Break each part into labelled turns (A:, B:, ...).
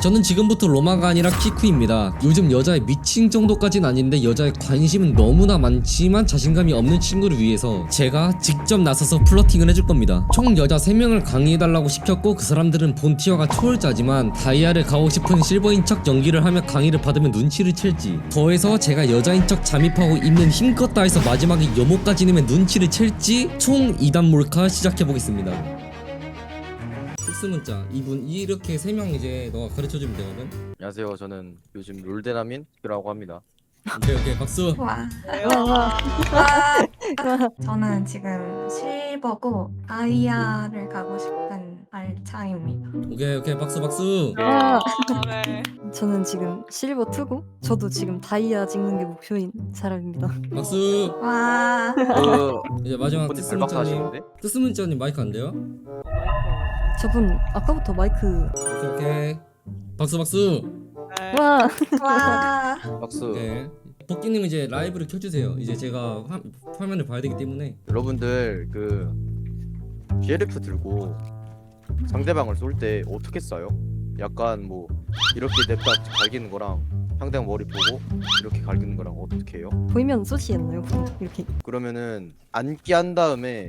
A: 저는 지금부터 로마가 아니라 키쿠입니다. 요즘 여자에 미친 정도까진 아닌데 여자의 관심은 너무나 많지만 자신감이 없는 친구를 위해서 제가 직접 나서서 플러팅을 해줄 겁니다. 총 여자 3명을 강의해달라고 시켰고 그 사람들은 본티어가 초월자지만 다이아를 가고 싶은 실버인 척 연기를 하며 강의를 받으면 눈치를 챌지, 더해서 제가 여자인 척 잠입하고 입는 힘껏 다해서 마지막에 여모까지 내면 눈치를 챌지, 총 2단 몰카 시작해보겠습니다. 특수문자 이분 이렇게 3명 이제 너가 가르쳐주면 되거든.
B: 안녕하세요. 저는 요즘 롤데나민이라고 합니다.
A: 오케이 박수.
C: 와. 저는 지금 실버고 다이아를 가고 싶은 알차입니다.
A: 오케이 박수.
D: 네.
E: 저는 지금 실버 2고 저도 지금 다이아 찍는 게 목표인 사람입니다.
A: 박수.
C: 와.
A: 이제 마지막
B: 분이 발박사
A: 특수문자님.
B: 하시는데?
A: 특수문자님 마이크 안 돼요?
E: 저분 아까부터 마이크
A: 오케이 박수.
D: 네.
E: 와
C: 와.
B: 박수.
A: 오케이. 복귀님 이제 라이브를 켜주세요. 이제 제가 화면을 봐야 되기 때문에.
B: 여러분들 그 GLF 들고 상대방을 쏠 때 어떻게 쏴요? 약간 뭐 이렇게 냅다 갈기는 거랑 상대방 머리 보고 이렇게 갈기는 거랑 어떻게 해요?
E: 보이면 쏘지 않나요? 이렇게
B: 그러면은 앉기 한 다음에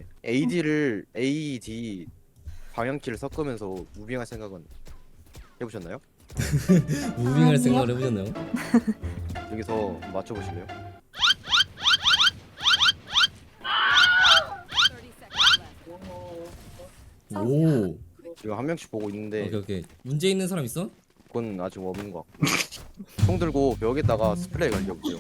B: AD 방향키를 섞으면서 무빙할 생각은 해보셨나요?
A: 무빙할
C: 아니요.
A: 생각을 해보셨나요?
B: 여기서 맞춰보실래요?
A: 오.
B: 지금 한 명씩 보고 있는데
A: 오케이. 문제 있는 사람 있어?
B: 그건 아직 없는 것 같고 총 들고 벽에다가 스프레이 갈겨보세요.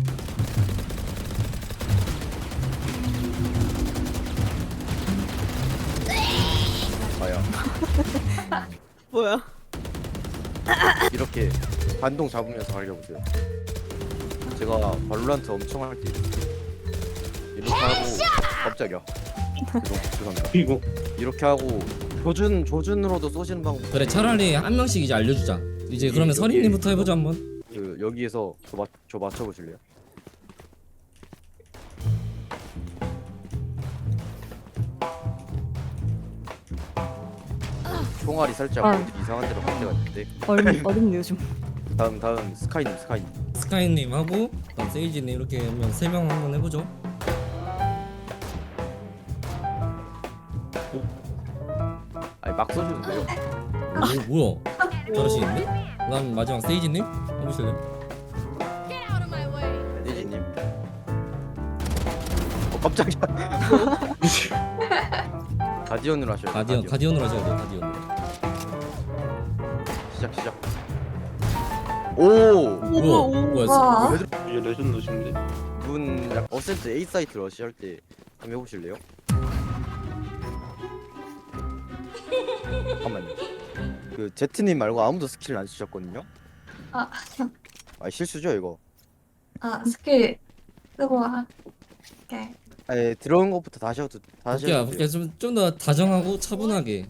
B: 아야
D: 뭐야?
B: 이렇게 반동 잡으면서 갈겨보세요. 제가 발로란트 엄청 할 때 이렇게 하고 깜짝이야. 죄송합니다.
F: 이거
B: 이렇게 하고 조준으로도 쏘시는 방법.
A: 그래 차라리 한 명씩 이제 알려주자. 이제 그러면
B: 여기,
A: 선임님부터
B: 여기.
A: 해보자 한번.
B: 그 여기에서 저 맞춰보실래요? 총알이 살짝
E: 아.
B: 어디 이상한 데로 갈 때가 있는데.
E: 어렵네요 좀.
B: 다음 스카이님.
A: 스카이님 하고 그다음 세이지님 이렇게 하면 3명 한번 해보죠.
B: 아니 막 쏘셔도 돼요.
A: 뭐야? 잘하시겠네? 그다음 마지막 세이지님 해보실래요?
B: 네지님. 깜짝이야. 가디언으로 하셔야 돼요.
A: 가디언으로 하셔야 돼요. 가디언으로.
B: 시작. 오!
A: 뭐야?
C: 와.
F: 이게 레전드신데.
B: 분 어센트 A 사이트 러시 할 때 한번 해보실래요? 잠깐만요. 그 제트님 말고 아무도 스킬 안 쓰셨거든요?
C: 아,
B: 실수죠 이거?
C: 스킬 쓰고 할게.
B: 아니 들어온 것부터 다시 해도 돼요.
A: 볼게요. 좀 더 다정하고 차분하게.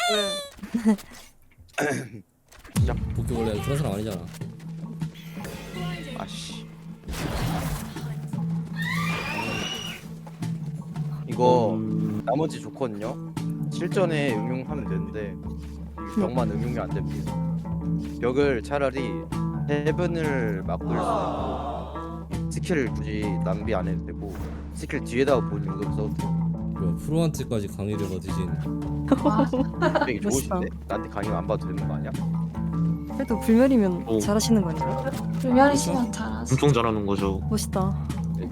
B: 시작.
A: 복귀 원래 그런 사람 아니잖아.
B: 아씨. 이거 나머지 좋거든요. 실전에 응용하면 되는데 벽만 응용이 안 됩니다. 벽을 차라리 헤븐을 막을 수 있고 스킬을 굳이 낭비 안 해도 되고 스킬 뒤에다가 보는 용도로 써도 돼요.
A: 뭐야, 프로한테까지 강의를 받으신.
C: 와.
B: 되게 좋으신데? 나한테 강의 안 봐도 되는 거 아니야?
E: 그래도 불멸이면
F: 오.
E: 잘하시는 거 아닌가요?
C: 불멸이시면 잘하시.
F: 엄청 잘하는 거죠.
E: 멋있다.
B: 네,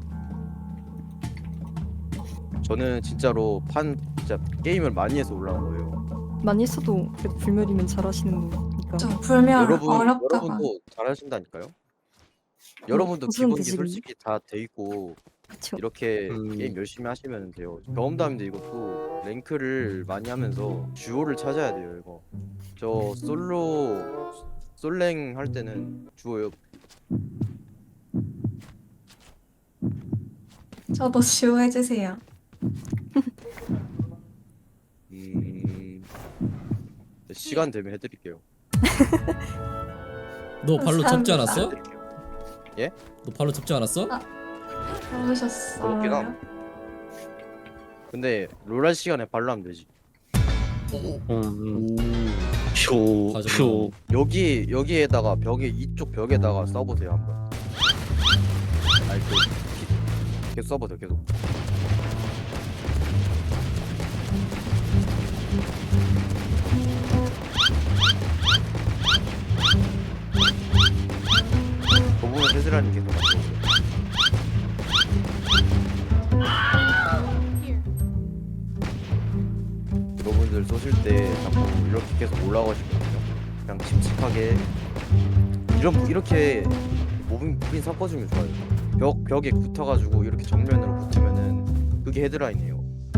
B: 저는 진짜로 진짜 게임을 많이 해서 올라온 거예요.
E: 많이 했어도 그래도 불멸이면 잘하시는 거니까.
C: 좀 불멸 어렵다고.
B: 여러분도 잘하신다니까요. 여러분도
E: 무슨
B: 기본기
E: 뜻이군요.
B: 솔직히 다 돼 있고
E: 그쵸.
B: 이렇게 게임 열심히 하시면 돼요. 경험담인데 이것도 랭크를 많이 하면서 듀오를 찾아야 돼요. 이거 저 솔랭 할 때는 듀오요.
C: 저도 지호 해주세요.
B: 시간 되면 해드릴게요.
A: 너 발로 접지 않았어?
B: 해드릴게요.
A: 너 발로 접지 않았어?
B: 그렇긴 함.
C: 그러셨어요?
B: 근데 롤할 시간에 발로 하면 되지.
F: 오. 쇼.
A: 가져가.
B: 여기에다가 이쪽 벽에다가 써보세요 한번. 아니 계속 써보세요 계속. 도보면 세즈라님 계속 맞춰보세요. 여러분들 쏘실 때 자꾸 이렇게 계속 올라가시거든요. 그냥 침착하게 이렇게 무빙 섞어주면 좋아요. 벽에 붙어가지고 이렇게 정면으로 붙으면은 그게 헤드라인이에요.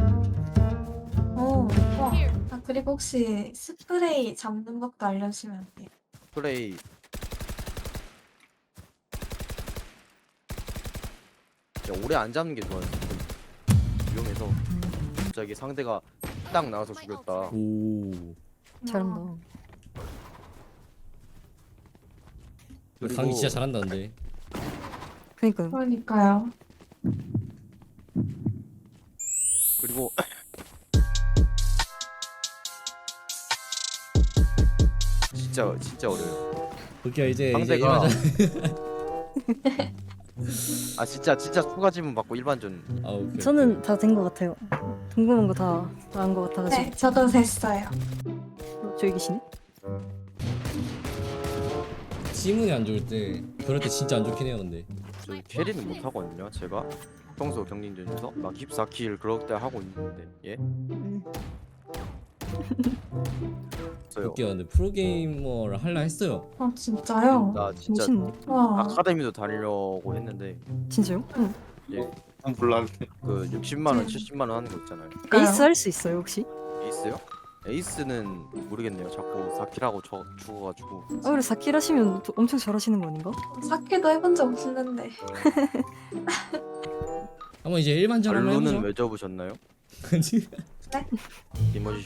C: 오, 와. 아, 그리고 혹시 스프레이 잡는 법도 알려주시면 안 돼요?
B: 플레이 진짜 오래 안 잡는 게 좋아요. 위험해서 갑자기 상대가 딱 나와서 죽였다.
A: 오.
E: 잘한다.
A: 강이 진짜 잘한다는데.
E: 그니까요.
C: 그러니까요.
B: 그리고 진짜 어려요.
A: 그게 이제
B: 상대가
A: 일반전.
B: 아 진짜 추가 지문 받고 일반전.
A: 아 오케이.
E: 저는 다 된 것 같아요. 궁금한 거 다 안 것 같아가지고.
C: 네, 저도 됐어요.
E: 저기 계시네?
A: 지문이 안 좋을 때 그럴 때 진짜 안 좋긴 해요 근데.
B: 저 캐리는 못 하거든요. 제가 평소 경쟁전에서 막 14킬 그럴 때 하고 있는데 예? 저요.
A: 웃겨 근데 프로게이머를 할라 했어요.
C: 어, 진짜요?
B: 나 진짜
E: 멋있네.
C: 와.
B: 아카데미도 다니려고 했는데
E: 진짜요? 응.
F: 몰랐네.
B: 그 60만 원, 70만 원 하는 거 있잖아요.
E: 에이스 할 수 있어요 혹시?
B: 에이스요? 에이스는 모르겠네요. 자꾸 4킬하고 죽어가지고.
E: 그래 4킬 하시면 엄청 잘하시는 거 아닌가?
C: 사케도 해본 적 없는데.
A: 한번 이제 일반전 한번
B: 발로는
A: 해보죠.
B: 왜 접으셨나요?
A: 그지?
B: 이머지슈.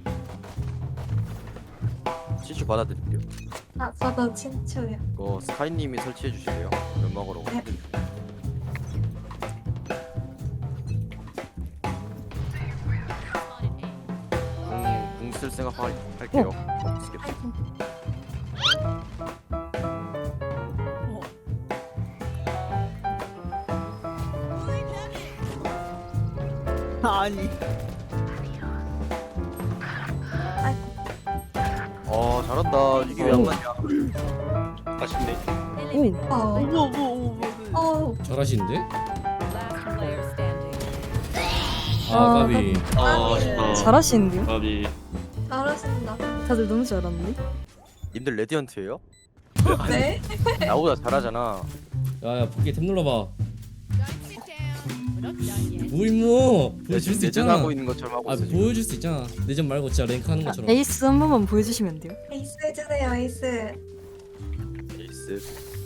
B: CC 받아드릴게요.
C: 아, 저도 친추요.
B: 이거 스카이님이 설치해 주실래요? 연막으로.
C: 네.
B: 궁쓸 생각 할게요. 쓰겠다.
D: 아니.
B: 잘한다. 이게 왜 안 맞냐?
F: 아쉽네.
E: 오!
C: 어,
A: 잘하시는데? 아
E: 아,
A: 까비.
F: 아, 아쉽다.
E: 잘하시는데요?
F: 까비.
C: 잘하신다.
E: 다들 너무 잘하는데?
B: 님들 레디언트예요?
C: 네?
B: 나보다 잘하잖아.
A: 야야 복귀 탭 눌러봐. 뭐 임무 보여줄 수 있잖아.
B: 내전하고 있는 것처럼 하고
A: 아
B: 있어. 지금.
A: 보여줄 수 있잖아. 내전 말고 진짜 랭크 하는 것처럼.
E: 에이스 한 번만 보여주시면 안 돼요?
C: 에이스 해주세요, 에이스.
B: 에이스.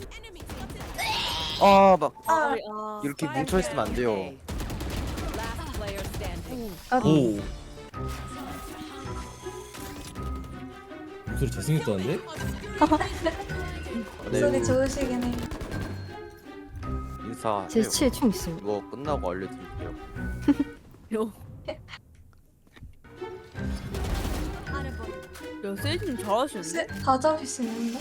B: 막
C: 아,
B: 이렇게 뭉쳐 있으면 안 돼요.
A: 오. 목소리 잘생겼다는데?
C: 목소리 좋으시긴 해요.
B: 인사.
E: 제 치에 총 있어요.
B: 이거 끝나고 알려드릴게요.
D: 요. 야, 세이지님 잘하시는데?
C: 다 잡으시는데?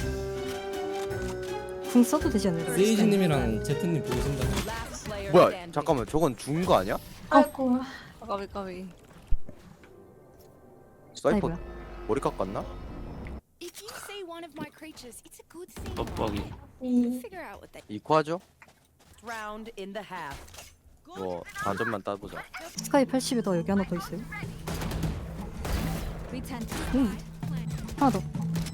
E: 궁 써도 되지 않나요?
A: 세이지님이랑 제트님 보여준다.
B: 뭐야? 잠깐만, 저건 죽은 거 아니야?
C: 아이고.
D: 까비.
B: 사이퍼
E: 아이고야.
B: 머리 깎았나?
G: If you say one of my creatures, it's a good thing.
F: 빡빡이.
C: 이
G: Figure out what they
B: 이코하죠?
G: round in the half.
B: 뭐 단점만 따보자.
E: 스카이 80에다 여기 하나 더 있어요.
G: Pretend to
E: 하나 더.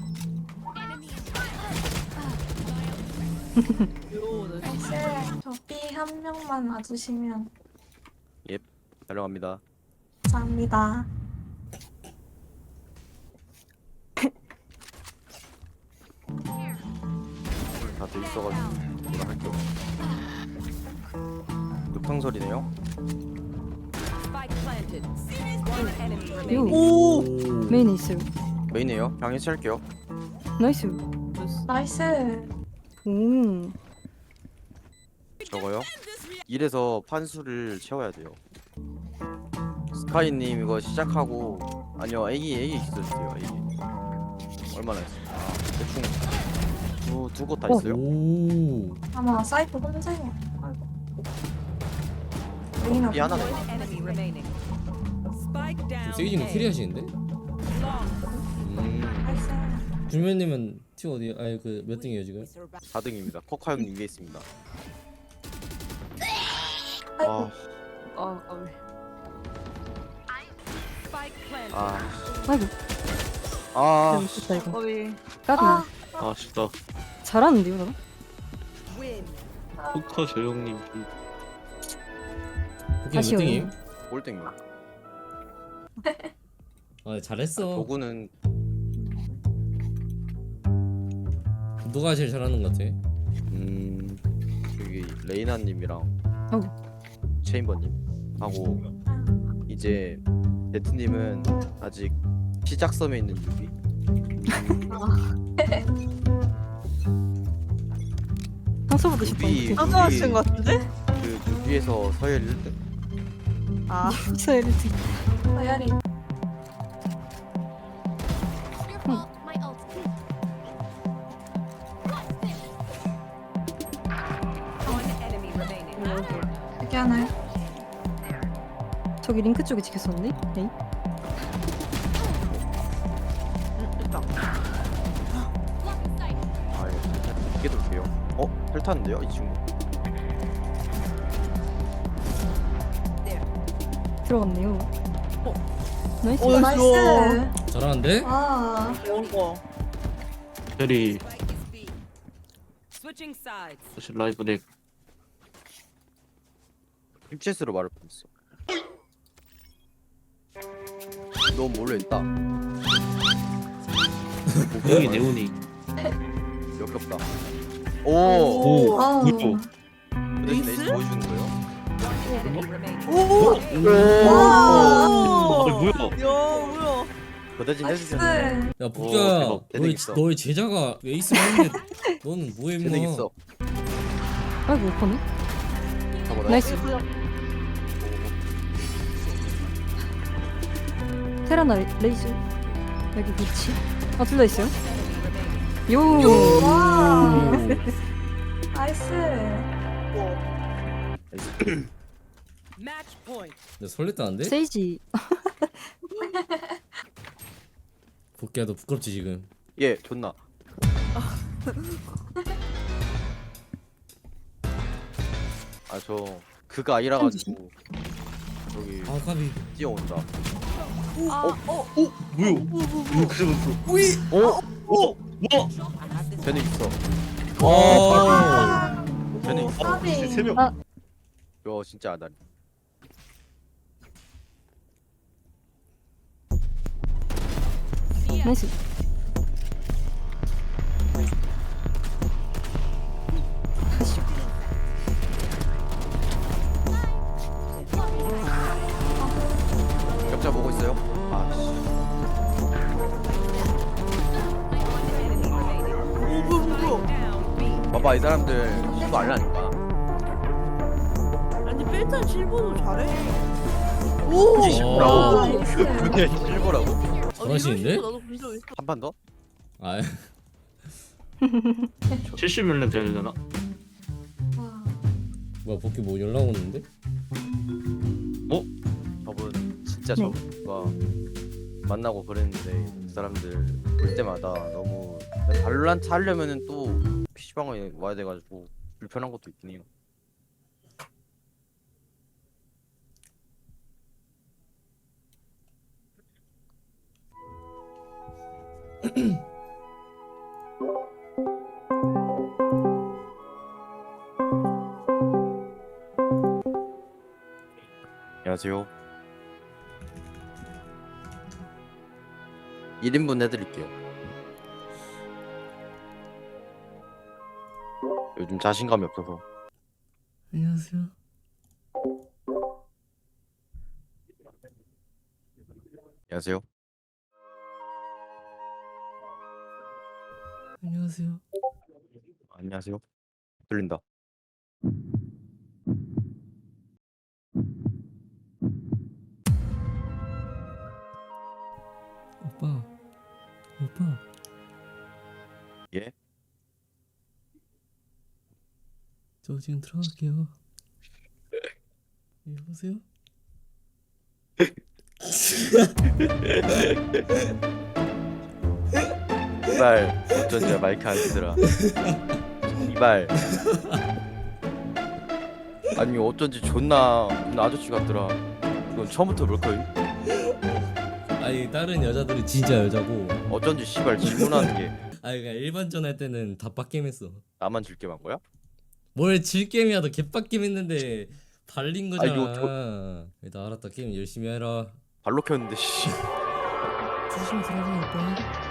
D: 요, 나
C: 에이스. 저비 한 명만 와주시면
B: 달려갑니다.
C: 감사합니다.
B: 다 돼 있어가지고 뭐라 할게 없어. 늑탕설이네요.
G: spike planted. One enemy
E: 요.
G: remaining.
D: 오!
E: 메인에 있어요.
B: 메인이에요. 그냥 해체할게요.
E: 나이스.
C: 나이스.
E: 오.
B: 저거요. 이래서 판수를 채워야 돼요. 스카이님 이거 시작하고 아니요 A 있어주세요. A. 얼마나 했어요? 아, 대충 두 곳 다
E: 어.
B: 있어요.
A: 오.
C: 아마 사이프 혼자예요. 아이고. 레이나
B: 이 하나
C: 혼자.
H: Enemy remaining. Spike down.
A: 세이지는
H: A.
A: 캐리하시는데?
C: 나이스.
A: 준면님은 티 어디? 아니 그 몇 등이에요 지금?
B: 4등입니다. 코카 형님 위에 있습니다.
C: 아이고.
D: 아 까비.
H: Spike planted.
B: 아,
E: 아이고
B: 아,
E: 잘못했다 이거.
D: 까비.
E: 까비야.
F: 아쉽다.
E: 잘하는데요 나?
H: Win.
F: 포커 조용님.
A: 복귀 몇
E: 아쉬워요.
A: 등이에요?
B: 꼴등이요.
A: 아 잘했어.
B: 도구는
A: 누가 제일 잘하는 것 같아?
B: 여기 레이나님이랑 체인버님 하고 이제 데트님은 아직 시작섬에 있는 유비.
E: 평소보다 쉽다.
B: 유비
D: 깜짝 놀라신 것 같은데?
B: 그 유비에서 서열 1등.
D: 아
E: 서열이
C: 서열이.
G: Your fault. My ult.
H: One enemy remaining.
C: 여기 하나요?
E: 저기 링크 쪽에 지켰었는데? 에이?
D: 됐다.
G: Blocking sight.
B: 아, 이게 돌게요. 헬타는데요, 이 친구.
E: 들어갔네요. 나이스.
D: 오,
C: 나이스.
A: 잘하는데?
C: 와.
D: 배운 거.
F: 캐리
H: Spike is B. Switching sides.
F: 사실 라이브 덱.
B: 힙체스로 말을 뻔했어. 너 몰래 있다.
F: 여기 네온이.
B: 역겹다.
F: 오.
B: 오.
C: 와우.
F: 뭐야?
B: 그 대신 에이스 보여주는 거예요?
H: Enemy remaining.
D: 오.
F: 아,
D: 와.
F: 뭐야?
D: 야 뭐야?
B: 그 대신
C: 나이스.
B: 해주셨네.
A: 야 복귀야,
B: 대박. 재능
A: 너의
B: 있어.
A: 너의 제자가 에이스 하는데 너는 뭐해 임마?
B: 재능 있어.
E: 아이고 오퍼네.
B: 가보라.
E: 나이스. 테라나 레이즈 여기 위치. 아 둘 다 있어요? 요.
C: 와. 나이스.
H: Match point.
A: 나 설렜다는데?
E: 세이지.
A: 복귀야 너 부끄럽지 지금?
B: 예, 존나. 아, 저 그가 아니라 가지고 여기
A: 아 까비.
B: 뛰어온다.
F: 뭐야? 이거 그 잡았어. 오. 뭐?
B: 쟤는 있어.
A: 아.
B: 쟤는 있어.
C: 까비.
F: 세 명.
E: 아.
B: 요 진짜 아다리.
E: 나이스.
B: 격자 보고 있어요? 아씨.
H: Enemy remaining. Down B.
B: 봐봐, 이 사람들 신고 알라니까.
D: 아니 필턴 실버도 잘해. 오.
A: 어.
C: 나이스.
B: 그게 실버라고?
A: 잘하시는데?
D: 나도 본 적 있어.
B: 한 판 더?
A: 아
F: 70명 돼야 되나?
C: 와.
A: 뭐야 복귀 뭐 연락 오는데?
B: 저분 진짜
E: 네.
B: 저분과 만나고 그랬는데 그 사람들 볼 때마다 너무 발로란트 하려면은 또 PC방에 와야 돼가지고 불편한 것도 있긴 해요. 안녕하세요. 1인분 해드릴게요. 요즘 자신감이 없어서.
A: 안녕하세요.
B: 안녕하세요.
A: 안녕하세요.
B: 안녕하세요. 들린다.
A: 오빠.
B: 예?
A: 저 지금 들어갈게요. 여보세요?
B: 이발 어쩐지 마이크 안 쓰더라. 이발. 아니 어쩐지 존나 아저씨 같더라. 이건 처음부터 볼 거임.
A: 아니 다른 여자들은 진짜 여자고
B: 어쩐지 씨발 질문하는 게
A: 아니 그러니까 일반전 할 때는 다 빡겜했어.
B: 나만 질게만 거야?
A: 뭘 질겜이야 너 개빡겜 했는데 발린 거잖아.
B: 이거
A: 나 알았다 게임 열심히 해라.
B: 발로 켰는데 씨.
A: 조심히 들어가 오빠.